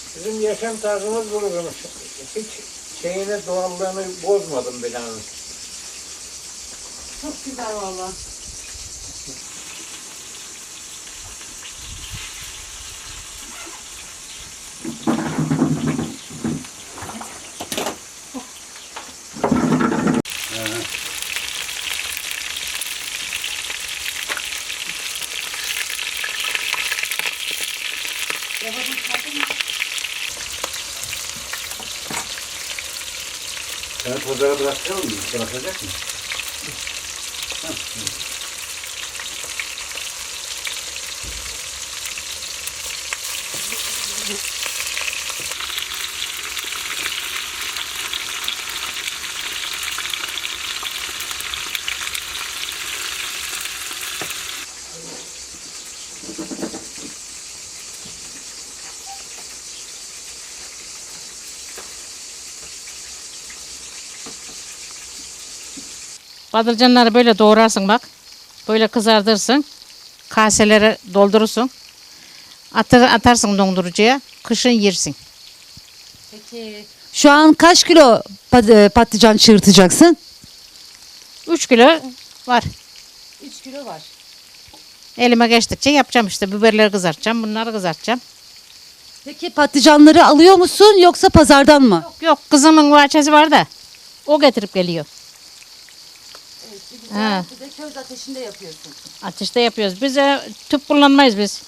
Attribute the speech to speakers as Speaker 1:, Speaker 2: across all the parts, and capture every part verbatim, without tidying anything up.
Speaker 1: Bizim yaşam tarzımız bulunmuş. Hiç şeyini, doğallığını bozmadım binanın.
Speaker 2: Çok güzel valla.
Speaker 3: Sen pazara bırakacak mısın? Bırakacak mısın?
Speaker 4: Patlıcanları böyle doğrarsın bak. Böyle kızartırsın. Kaselere doldurursun. Atır, atarsın dondurucuya. Kışın yersin.
Speaker 2: Peki. Şu an kaç kilo pat- e, patlıcan çığırtacaksın?
Speaker 4: üç kilo var.
Speaker 2: üç kilo var.
Speaker 4: Elime geçtikçe yapacağım işte. Biberleri kızartacağım. Bunları kızartacağım.
Speaker 2: Peki patlıcanları alıyor musun yoksa pazardan mı?
Speaker 4: Yok yok, kızımın bahçesi var da. O getirip geliyor. Ha.
Speaker 2: Bir de köz ateşinde yapıyorsun.
Speaker 4: Ateşte yapıyoruz. Biz e, tüp kullanmayız biz.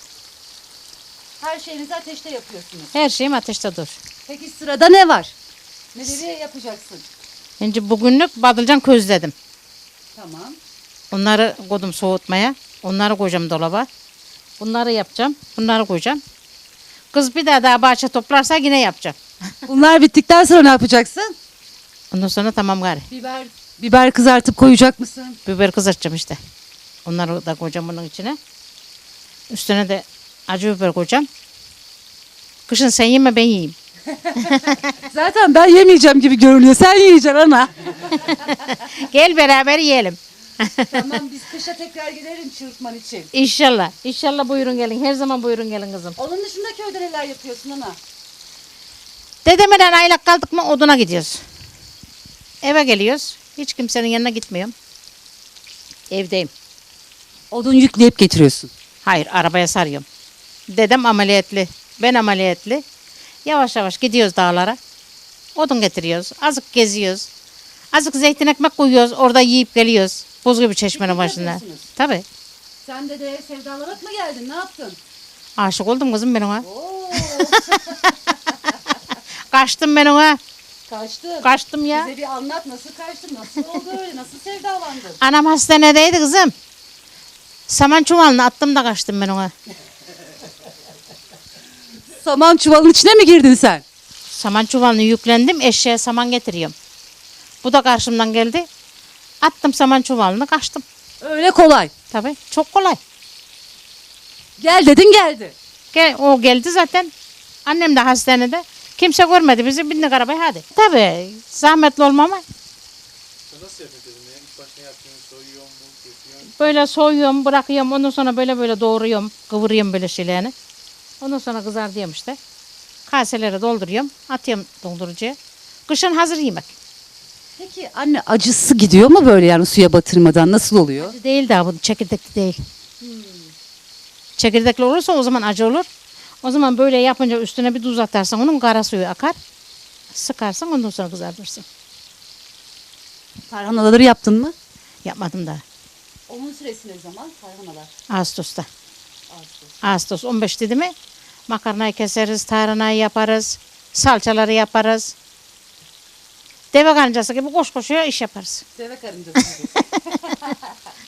Speaker 2: Her şeyinizi ateşte yapıyorsunuz.
Speaker 4: Her şeyim ateşte dur.
Speaker 2: Peki sırada ne var? Neleri yapacaksın?
Speaker 4: Şimdi bugünlük patlıcan közledim.
Speaker 2: Tamam.
Speaker 4: Onları koydum soğutmaya. Onları koyacağım dolaba. Bunları yapacağım. Bunları koyacağım. Kız bir daha daha bahçe toplarsa yine yapacağım.
Speaker 2: Bunlar bittikten sonra ne yapacaksın?
Speaker 4: Ondan sonra tamam gari.
Speaker 2: Biber. Biber kızartıp koyacak mısın?
Speaker 4: Biber kızartacağım işte. Onları da koyacağım bunun içine. Üstüne de acı biber koyacağım. Kışın sen yeme, ben yiyeyim.
Speaker 2: Zaten ben yemeyeceğim gibi görünüyor. Sen yiyeceksin ana.
Speaker 4: Gel beraber yiyelim.
Speaker 2: Tamam, biz kışa tekrar gelirim çırpman için.
Speaker 4: İnşallah. İnşallah buyurun gelin. Her zaman buyurun gelin kızım.
Speaker 2: Onun dışında köyde neler yapıyorsun ana?
Speaker 4: Dedemeden aylak kaldık mı oduna gidiyoruz. Eve geliyoruz. Hiç kimsenin yanına gitmiyorum. Evdeyim.
Speaker 2: Odun yükleyip getiriyorsun.
Speaker 4: Hayır, arabaya sarıyorum. Dedem ameliyatlı. Ben ameliyatlı. Yavaş yavaş gidiyoruz dağlara. Odun getiriyoruz. Azıcık geziyoruz. Azıcık zeytin ekmek koyuyoruz. Orada yiyip geliyoruz. Buz gibi çeşmenin
Speaker 2: Piknik
Speaker 4: başında.
Speaker 2: yapıyorsunuz.
Speaker 4: Tabii.
Speaker 2: Sen de de sevdalarak mı geldin? Ne yaptın?
Speaker 4: Aşık oldum kızım ben ona.
Speaker 2: Oo,
Speaker 4: Kaçtım ben ona.
Speaker 2: kaçtın.
Speaker 4: Kaçtım ya.
Speaker 2: Bize bir anlat, nasıl kaçtın? Nasıl oldu öyle? Nasıl sevdalandın?
Speaker 4: Anam hastanedeydi kızım. Saman çuvalını attım da kaçtım ben ona.
Speaker 2: Saman çuvalın içine mi girdin sen?
Speaker 4: Saman çuvalını yüklendim. Eşeğe saman getiriyorum. Bu da karşımdan geldi. Attım saman çuvalını, kaçtım.
Speaker 2: Öyle kolay.
Speaker 4: Tabii çok kolay.
Speaker 2: Gel dedin geldi.
Speaker 4: Gel, o geldi zaten. Annem de hastanede. Kimse görmedi bizi. Bindik arabaya hadi. Tabii zahmetli olmama.
Speaker 3: Nasıl yapıyorsun? Ya? İlk başta yapıyorsun, soyuyorsun, mu, kesiyorsun.
Speaker 4: Böyle soyuyorum, bırakıyorum. Ondan sonra böyle böyle doğruyorum. Kıvırıyorum böyle şeylerini. Ondan sonra kızartıyorum işte. Kaselere dolduruyorum. Atıyorum dondurucuya. Kışın hazır yemek.
Speaker 2: Peki anne, acısı gidiyor mu böyle yani suya batırmadan? Nasıl oluyor?
Speaker 4: Acı değil daha bu, çekirdekli değil. Çekirdekli olursa o zaman acı olur. O zaman böyle yapınca üstüne bir tuz atarsan onun kara suyu akar. Sıkarsın, ondan sonra kızartırsın.
Speaker 2: Tarhanaları yaptın mı?
Speaker 4: Yapmadım daha.
Speaker 2: Onun süresi ne zaman? Tarhanalar.
Speaker 4: Ağustos'ta.
Speaker 2: Ağustos.
Speaker 4: Ağustos on beş dedi mi makarnayı keseriz, tarhanayı yaparız, salçaları yaparız. Deve kancası gibi koş koşuya iş yaparız.
Speaker 2: Deve karıncası gibi.